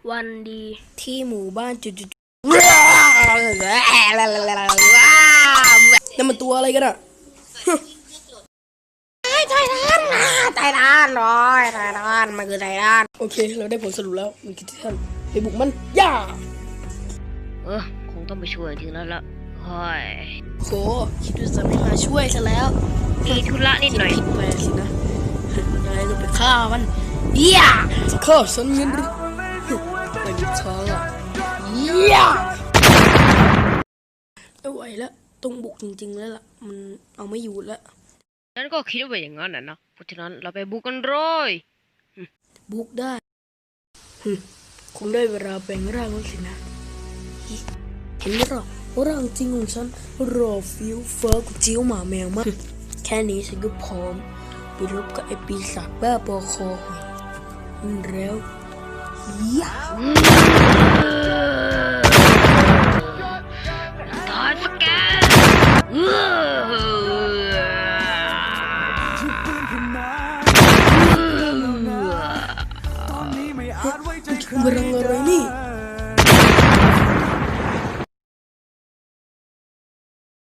วันดีที่หมู่บ้านจุดนั่นมันตัวอะไรกันอ่ะไททันร้อยไททันมันคือไททันโอเคเราได้ผลสรุปแล้วมันคือไททันไปบุกมันย่าคงต้องไปช่วยจริงแล้วละเฮ้ยโหคิดว่าจะไม่มาช่วยซะแล้วมีธุระนิดหน่อยผิดไปสินะยังไงก็ไปฆ่ามันย่าฆ่าฉันงั้นหรือไม่มีทางอ่ะย่าไม่ไหวแล้วต้องบุกจริงๆแล้วล่ะมันเอาไม่อยู่แล้วฉันก็คิดว่าอย่างนั้นนะเพราะฉะนั้นเราไปบุกกันเลยบุกได้คงได้เวลาแปลงร่างแล้วสินะเห็นไหมล่ะร่างจริงของฉันรอฟิวเฟอร์กับจิ้วหมาแมวมากแค่นี้ฉันก็พร้อมไปรบกับไอ้ปีศาจบ้าบอคอหอยแล้วย่าตายสแกนเรื่องอะไรนี่